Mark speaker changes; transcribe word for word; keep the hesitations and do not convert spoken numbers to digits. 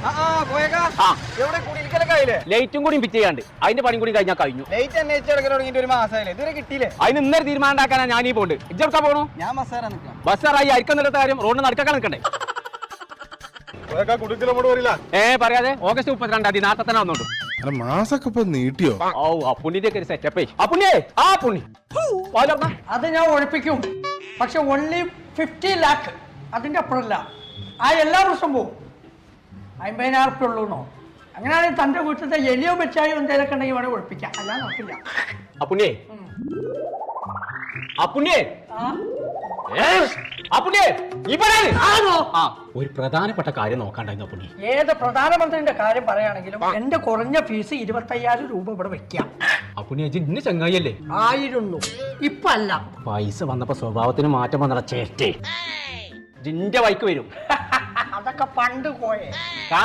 Speaker 1: ലൈറ്റും കൂടി ഫിറ്റ് ചെയ്യാണ്ട് അതിന്റെ പണി കൂടി കഴിഞ്ഞാൽ കഴിഞ്ഞു.
Speaker 2: ലൈറ്റ് അന്വേഷിച്ച് തുടങ്ങിയിട്ട് ഒരു മാസമായില്ലേ, ഇതുവരെ കിട്ടിയില്ലേ?
Speaker 1: അതിന് ഇന്നൊരു തീരുമാനം ഉണ്ടാക്കാനാ ഞാൻ ഈ പോണ്ട്. ഇജ്ജെടുക്കാൻ പോകണു?
Speaker 2: ഞാൻ ബസ്സാറാ നിൽക്കാം.
Speaker 1: ബസ്സാറായി അരിക്കുന്ന കാര്യം റോഡിന് നടക്കാൻ നിൽക്കണ്ടേ? ഏ പറയാതെ ഓഗസ്റ്റ് മുപ്പത്തിരണ്ടാം തീയതി നാളെ തന്നെ വന്നോണ്ടു.
Speaker 3: മാസൊക്കെ ഇപ്പൊ നീട്ടിയോ?
Speaker 1: ഓ അപ്പുണ്ണിന്റെ ഒക്കെ ഒരു സെറ്റപ്പേ. അപ്പുണ്ണിയേ ആ പുണ്ണി
Speaker 4: അത് ഞാൻ ഒഴിപ്പിക്കും. പക്ഷെ ഓൺലി ഫിഫ്റ്റി ലാക്ക് അതിന്റെ അപ്പുറമല്ല. ആ എല്ലാ വർഷവും പോവും. അമ്പതിനായിരം ഉറുപ്പ്യ ഉള്ളൂന്നോ? അങ്ങനെയാണെങ്കിൽ തന്റെ വീട്ടിലത്തെ എലിയോ വെച്ചായോ എന്തെങ്കിലുമൊക്കെ ഉണ്ടെങ്കിൽ വേണേൽ ഒഴിപ്പിക്കാം. അല്ലാതെ നോക്കില്ല.
Speaker 1: അപ്പുണ്ണിയേ അപ്പുണ്ണിയേ അപ്പുണ്ണിയേ ഒരു പ്രധാനപ്പെട്ട കാര്യം നോക്കാണ്ടായിരുന്നു അപ്പുണ്ണി.
Speaker 4: ഏത് പ്രധാനമന്ത്രിന്റെ കാര്യം പറയുകയാണെങ്കിലും എന്റെ കുറഞ്ഞ ഫീസ് ഇരുപത്തയ്യായിരം രൂപ ഇവിടെ വെക്കാം.
Speaker 1: അപ്പുണ്ണി ഇന്ന് ചങ്ങായിയല്ലേ?
Speaker 4: ആയിരുന്നു, ഇപ്പൊ അല്ല.
Speaker 1: പൈസ വന്നപ്പോ സ്വഭാവത്തിന് മാറ്റം വന്നട ചേട്ടേ ജിന്റെ വൈക്ക് വരും.
Speaker 4: അതൊക്കെ പണ്ട് പോയേ.